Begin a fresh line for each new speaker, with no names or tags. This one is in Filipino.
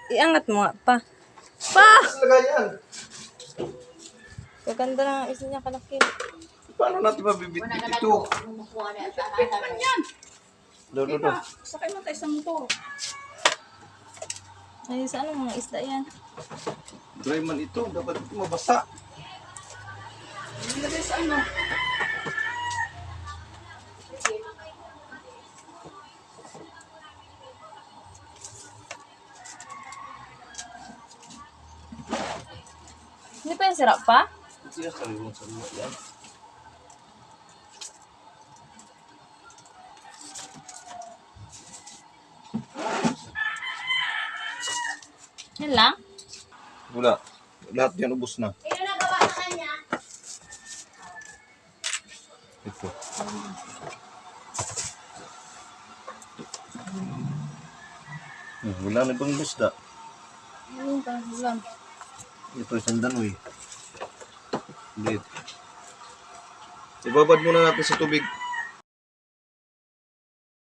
Iangat mo nga pa. Pa!
Talaga yan.
Gaganda na isa niya kalaki.
Paano natin mabibitbit ito? Do.
Sakay mo tayo sa motor.
Ay, sa anong mga isda yan?
Dry man ito. Dapat ito mabasa.
Ilagay sa ano?
Hindi pa yung sarap pa?
Siya sariwang sa mga yan.
Yan lang?
Wala. Lahat yan ubos na.
Ito na gawa sa kanya.
Ito. Wala na ibang isda.
Ayun pa, lang.
Ito isang danoy. Ulit. Ibabad muna natin sa tubig.